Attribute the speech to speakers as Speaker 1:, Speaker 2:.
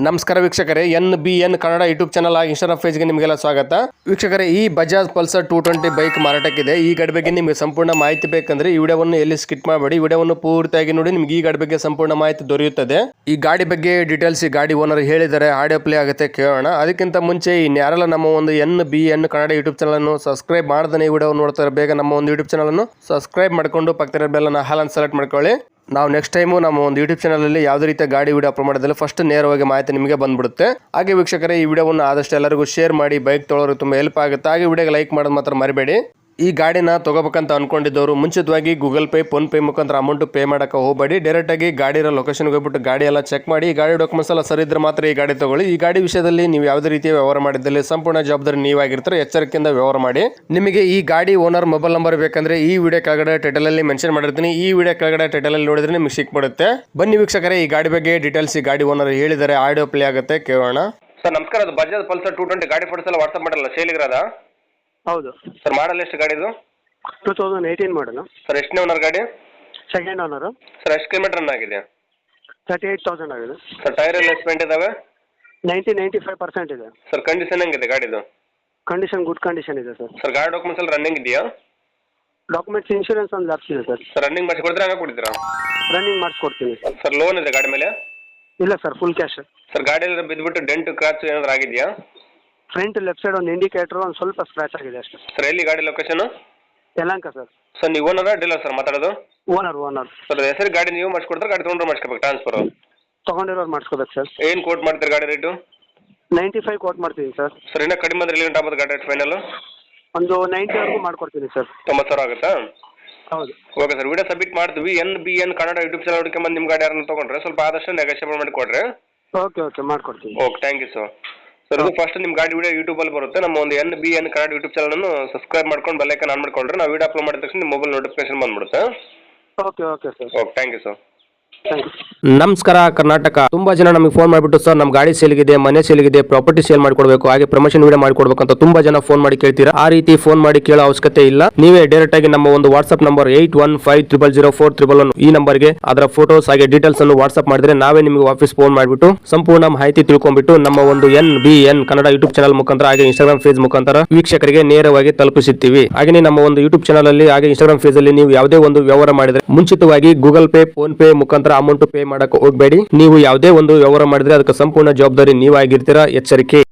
Speaker 1: ನಮಸ್ಕಾರ ವೀಕ್ಷಕರೇ, NBN Kannada YouTube channel ಆಗಿ ಇನ್ಸ್ಟಾಗ್ರಾಮ್ ಪೇಜ್ಗೆ ನಿಮಗೆಲ್ಲ ಸ್ವಾಗತ. ವೀಕ್ಷಕರೇ, ಈ ಬಜಾಜ್ ಪಲ್ಸರ್ 220 ಬೈಕ್ ಮಾರಾಟಕ್ಕಿದೆ. ಈ ಗಾಡಿ ಬಗ್ಗೆ ನಿಮಗೆ ಸಂಪೂರ್ಣ ಮಾಹಿತಿ ಬೇಕಂದ್ರೆ ಈ ವಿಡಿಯೋವನ್ನು ಎಲ್ಲಿ ಸ್ಕಿಪ್ ಮಾಡಬೇಡಿ, ವಿಡಿಯೋವನ್ನು ಪೂರ್ತಿಯಾಗಿ ನೋಡಿ. ನಿಮಗೆ ಈ ಗಾಡಿ ಬಗ್ಗೆ ಸಂಪೂರ್ಣ ಮಾಹಿತಿ ದೊರೆಯುತ್ತದೆ. ಈ ಗಾಡಿ ಬಗ್ಗೆ ಡೀಟೇಲ್ಸ್ ಈ ಗಾಡಿ ಓನರ್ ಹೇಳಿದರೆ ಆಡಿಯೋ ಪ್ಲೇ ಆಗುತ್ತೆ, ಕೇಳೋಣ. ಅದಕ್ಕಿಂತ ಮುಂಚೆ ಯಾರೆಲ್ಲ ನಮ್ಮ ಒಂದು NBN ಕನ್ನಡ ಯೂಟ್ಯೂಬ್ ಚಾನಲ್ ಅನ್ನು ಸಬ್ಸ್ಕ್ರೈಬ್ ಮಾಡದೇ ಈ ವಿಡಿಯೋ ನೋಡ್ತಾರೆ, ಬೇಗ ನಮ್ಮ ಒಂದು ಯೂಟ್ಯೂಬ್ ಚಾನಲ್ ಅನ್ನು ಸಬ್ಸ್ಕ್ರೈಬ್ ಮಾಡಿಕೊಂಡು ಪಕ್ಕದ ಬೆಲ್ಲನ್ನು ಹಾಲನ್ನು ಸೆಲೆಕ್ಟ್ ಮಾಡ್ಕೊಳ್ಳಿ. ನಾವು ನೆಕ್ಸ್ಟ್ ಟೈಮು ನಮ್ಮ ಒಂದು ಯೂಟ್ಯೂಬ್ ಚಾನಲಲ್ಲಿ ಯಾವುದೇ ರೀತಿಯ ಗಾಡಿ ವಿಡಿಯೋ ಅಪ್ಲೋಡ್ ಮಾಡೋದಿಲ್ಲ, ಫಸ್ಟ್ ನೇರವಾಗಿ ಮಾಹಿತಿ ನಿಮಗೆ ಬಂದ್ಬಿಡುತ್ತೆ. ಹಾಗೆ ವೀಕ್ಷಕರೇ, ಈ ವಿಡಿಯೋವನ್ನು ಆದಷ್ಟು ಎಲ್ಲರಿಗೂ ಶೇರ್ ಮಾಡಿ, ಬೈಕ್ ತೊಗೊಳೋರು ತುಂಬ ಹೆಲ್ಪ್ ಆಗುತ್ತೆ. ಹಾಗೆ ವಿಡಿಯೋಗೆ ಲೈಕ್ ಮಾಡೋದು ಮಾತ್ರ ಮರಿಬೇಡಿ. ಈ ಗಾಡಿನ ತಗೋಬೇಕಂತ ಅನ್ಕೊಂಡಿದ್ದವರು ಮುಂಚಿತವಾಗಿ ಗೂಗಲ್ ಪೇ, ಫೋನ್ ಪೇ ಮುಖಾಂತರ ಅಮೌಂಟ್ ಪೇ ಮಾಡಕ್ಕೆ ಹೋಗಬೇಡಿ. ಡೈರೆಕ್ಟಾಗಿ ಗಾಡಿ ಇರೋ ಲೊಕೇಶನ್ಗೆ ಹೋಗ್ಬಿಟ್ಟು ಗಾಡಿ ಎಲ್ಲ ಚೆಕ್ ಮಾಡಿ, ಗಾಡಿ ಡಾಕ್ಯುಮೆಂಟ್ಸ್ ಎಲ್ಲ ಸರಿ ಇದ್ರೆ ಮಾತ್ರ ಈ ಗಾಡಿ ತಗೊಳ್ಳಿ. ಈ ಗಾಡಿ ವಿಷಯದಲ್ಲಿ ನೀವು ಯಾವುದೇ ರೀತಿಯ ವ್ಯವಹಾರ ಮಾಡಿದ್ದಲ್ಲಿ ಸಂಪೂರ್ಣ ಜವಾಬ್ದಾರಿ ನೀವಾಗಿರ್ತಾರೆ, ಎಚ್ಚರಿಕೆಯಿಂದ ವ್ಯವಹಾರ ಮಾಡಿ. ನಿಮಗೆ ಈ ಗಾಡಿ ಓನರ್ ಮೊಬೈಲ್ ನಂಬರ್ ಬೇಕಂದ್ರೆ ಈ ವಿಡಿಯೋ ಕೆಳಗಡೆ ಟೈಟಲ್ ಅಲ್ಲಿ ಮೆನ್ಷನ್ ಮಾಡಿರ್ತೀನಿ. ಈ ವಿಡಿಯೋ ಕೆಳಗಡೆ ಟೈಟಲ್ ಅಲ್ಲಿ ನೋಡಿದ್ರೆ ನಿಮಗೆ ಸಿಕ್ಬಿಡುತ್ತೆ. ಬನ್ನಿ ವೀಕ್ಷಕರೇ, ಈ ಗಾಡಿ ಬಗ್ಗೆ ಡೀಟೇಲ್ಸ್ ಈ ಗಾಡಿ ಓನರ್ ಹೇಳಿದರೆ ಆಡಿಯೋ ಪ್ಲೇ ಆಗುತ್ತೆ, ಕೇಳೋಣ. ಸರ್ ನಮಸ್ಕಾರ, ಅದು ಬಜಾಜ್ ಪಲ್ಸರ್ 220 ಗಾಡಿ ಫೋಟೋಸ್ ಎಲ್ಲ ವಾಟ್ಸ್ಆಪ್ ಮಾಡಲ್ಲ, ಸೇಲಿಗಿರೋದ?
Speaker 2: ಹೌದು
Speaker 1: ಸರ್. ಮಾಡಲ್ ಎಷ್ಟು ಗಾಡಿದು?
Speaker 2: 2018 ಮಾಡಲು.
Speaker 1: ಸರ್ ಎಷ್ಟನೇ ಓನರ್ ಗಾಡಿ?
Speaker 2: Second owner.
Speaker 1: ಸರ್ ಎಷ್ಟು ಕಿಲೋಮೀಟರ್ ರನ್ ಆಗಿದೆ?
Speaker 2: 38,000 ಆಗಿದೆ.
Speaker 1: ಸರ್ ಟೈರ್ ಎಲ್ಲ ಎಸ್ಪೆಂಟ್ ಇದಾವೆ?
Speaker 2: 95% ಇದೆ.
Speaker 1: ಸರ್ ಕಂಡೀಷನ್ ಹೆಂಗಿದೆ ಗಾಡಿದು?
Speaker 2: ಕಂಡೀಷನ್ ಗುಡ್ ಕಂಡೀಷನ್ ಇದೆ ಸರ್.
Speaker 1: ಸರ್ ಗಾಡಿ ಡಾಕ್ಯುಮೆಂಟ್ಸ್ ಎಲ್ಲ ರನ್ನಿಂಗ್ ಇದೆಯಾ?
Speaker 2: ಡಾಕ್ಯುಮೆಂಟ್ಸ್ ಇನ್ಶೂರೆನ್ಸ್ ಒಂದು ಲ್ಯಾಪ್ಸ್ ಇದೆ ಸರ್.
Speaker 1: ಸರ್ ರನ್ನಿಂಗ್ ಮಾಡಿಸಿ ಕೊಡ್ತೀರಾ, ಹಂಗೆ ಕೊಡ್ತೀರಾ?
Speaker 2: ರನ್ನಿಂಗ್ ಮಾಡಿಸ್ಕೊಡ್ತೀನಿ.
Speaker 1: ಸರ್ ಲೋನ್ ಇದೆ ಗಾಡಿ ಮೇಲೆ?
Speaker 2: ಇಲ್ಲ ಸರ್, ಫುಲ್ ಕ್ಯಾಶ್.
Speaker 1: ಸರ್ ಗಾಡಿಯಲ್ಲಿ ಬಿದ್ದುಬಿಟ್ಟು ಡೆಂಟ್ ಕ್ರಾಚ್ ಏನಾದ್ರು ಆಗಿದೆಯಾ?
Speaker 2: ಫ್ರಂಟ್ ಲೆಫ್ಟ್ ಸೈಡ್ ಒಂದು ಇಂಡಿಕೇಟರ್ ಒಂದು ಸ್ವಲ್ಪ ಸ್ಕ್ರಾಚ್ ಆಗಿದೆ ಅಷ್ಟೇ.
Speaker 1: ಸರ್ ಎಲ್ಲಿ ಗಾಡಿ ಲೊಕೇಶನ್?
Speaker 2: ಯಲಹಂಕ ಸರ್.
Speaker 1: ಸರ್ ನೀವು ಓನರ ಡೀಲರ್ ಸರ್ ಮಾತಾಡೋದು?
Speaker 2: ಓನರ್.
Speaker 1: ಸರ್ ಹೆಸರು ಗಾಡಿ ನೀವು ಮಾಡಿಸ್ಕೊಡ್ತಾರೆ, ಗಾಡಿ ತೊಗೊಂಡ್ರೆ ಮಾಡಿಸ್ಕೋಬೇಕು ಟ್ರಾನ್ಸ್ಫರ್?
Speaker 2: ತೊಗೊಂಡಿರೋರು ಮಾಡಿಸ್ಕೋಬೇಕು ಸರ್.
Speaker 1: ಏನು ಕೋಟ್ ಮಾಡ್ತೀರಿ ಗಾಡಿ ರೇಟು?
Speaker 2: 95 ಕೋಟ್ ಮಾಡ್ತೀನಿ ಸರ್.
Speaker 1: ಸರ್ ಇನ್ನೂ ಕಡಿಮೆ ಅಂದ್ರೆ ಎಲ್ಲಿ ಆಗ್ಬೋದು ಗಾಡಿ ರೇಟ್ ಫೈನಲ್?
Speaker 2: ಒಂದು 90ವರೆಗೂ ಮಾಡ್ಕೊಡ್ತೀನಿ ಸರ್.
Speaker 1: 90,000 ಆಗುತ್ತಾ?
Speaker 2: ಹೌದು.
Speaker 1: ಓಕೆ ಸರ್, ವಿಡಿಯೋ ಸಬ್ಮಿಟ್ ಮಾಡ್ತೀವಿ. NBN ಕನ್ನಡ ಯೂಟ್ಯೂಬ್ ಚಾನಲ್ ಹುಡುಕೊಂಬಂದು ನಿಮ್ಮ ಗಾಡಿ ಯಾರನ್ನ ತೊಗೊಂಡ್ರೆ ಸ್ವಲ್ಪ ಆದಷ್ಟು ನೆಗೋಷಿಯೇಬಲ್ ಮಾಡಿ ಕೊಡ್ರಿ.
Speaker 2: ಓಕೆ ಮಾಡ್ಕೊಡ್ತೀನಿ.
Speaker 1: Okay, thank you sir. ಸರ್ ಇದು ಫಸ್ಟ್ ನಿಮ್ಮ ಗಾಡಿ ವಿಡಿಯೋ ಯೂಟ್ಯೂಬಲ್ಲಿ ಬರುತ್ತೆ. ನಮ್ಮ ಒಂದು NBN ಕನ್ನಡ ಯೂಟ್ಯೂಬ್ ಚಾನಲನ್ನು ಸಬ್ಸ್ಕ್ರೈಬ್ ಮಾಡ್ಕೊಂಡು ಬೆಲ್ ಐಕಾನ್ ಆನ್ ಮಾಡ್ಕೊಂಡ್ರೆ ನಾವು ವಿಡಿಯೋ ಅಪ್ಲೋಡ್ ಮಾಡಿದ ತಕ್ಷಣ ನಿಮ್ಮ ಮೊಬೈಲ್ ನೋಟಿಫಿಕೇಶನ್ ಬಂದ್ಬಿಡುತ್ತೆ.
Speaker 2: Okay sir.
Speaker 1: Okay, thank you sir.
Speaker 3: ನಮಸ್ಕಾರ ಕರ್ನಾಟಕ. ತುಂಬಾ ಜನ ನಮಗೆ ಫೋನ್ ಮಾಡಿಬಿಟ್ಟು ಸರ್ ನಮ್ಮ ಗಾಡಿ ಸೇಲ್ಗಿದೆ, ಮನೆ ಸೇಲ್ಗಿದೆ, ಪ್ರಾಪರ್ಟಿ ಸೇಲ್ ಮಾಡಿಕೊಡ್ಬೇಕು, ಹಾಗೆ ಪ್ರಮೋಷನ್ ವಿಡಿಯೋ ಮಾಡಿಕೊಡ್ಬೇಕು ಅಂತ ತುಂಬಾ ಜನ ಫೋನ್ ಮಾಡಿ ಕೇಳ್ತೀರಾ. ಆ ರೀತಿ ಫೋನ್ ಮಾಡಿ ಕೇಳೋ ಅವಶ್ಯಕತೆ ಇಲ್ಲ. ನೀವೇ ಡೈರೆಕ್ಟ್ ಆಗಿ ನಮ್ಮ ಒಂದು ವಾಟ್ಸ್ಆಪ್ ನಂಬರ್ 81500411 ಈ ನಂಬರ್ಗೆ ಅದರ ಫೋಟೋಸ್ ಹಾಗೆ ಡೀಟೇಲ್ಸ್ ಅನ್ನು ವಾಟ್ಸ್ಆಪ್ ಮಾಡಿದ್ರೆ ನಾವೇ ನಿಮಗೆ ವಾಪಸ್ ಫೋನ್ ಮಾಡಿಬಿಟ್ಟು ಸಂಪೂರ್ಣ ಮಾಹಿತಿ ತಿಳ್ಕೊಂಡ್ಬಿಟ್ಟು ನಮ್ಮ ಒಂದು NBN ಕನ್ನಡ ಯೂಟ್ಯೂಬ್ ಚಾನಲ್ ಮುಖಾಂತರ ಹಾಗೆ ಇನ್ಸ್ಟಾಗ್ರಾಮ್ ಪೇಜ್ ಮುಖಾಂತರ ವೀಕ್ಷಕರಿಗೆ ನೇರವಾಗಿ ತಲುಪಿಸುತ್ತೀವಿ. ಹಾಗೆ ನಮ್ಮ ಒಂದು ಯೂಟ್ಯೂಬ್ ಚಾನಲ್ ಅಲ್ಲಿ ಹಾಗೆ ಇನ್ಸ್ಟಾಗ್ರಾಮ್ ಪೇಜ್ ಅಲ್ಲಿ ನೀವು ಯಾವುದೇ ಒಂದು ವ್ಯವಹಾರ ಮಾಡಿದ್ರೆ ಮುಂಚಿತವಾಗಿ ಗೂಗಲ್ ಪೇ, ಫೋನ್ ಪೇ ಮುಖಾಂತರ ಅಮೌಂಟ್ ಪೇ ಮಾಡಕ್ಕೆ ಹೋಗಬೇಡಿ. ನೀವು ಯಾವುದೇ ಒಂದು ವ್ಯವಹಾರ ಮಾಡಿದ್ರೆ ಅದಕ್ಕೆ ಸಂಪೂರ್ಣ ಜವಾಬ್ದಾರಿ ನೀವಾಗಿರ್ತೀರಾ, ಎಚ್ಚರಿಕೆ.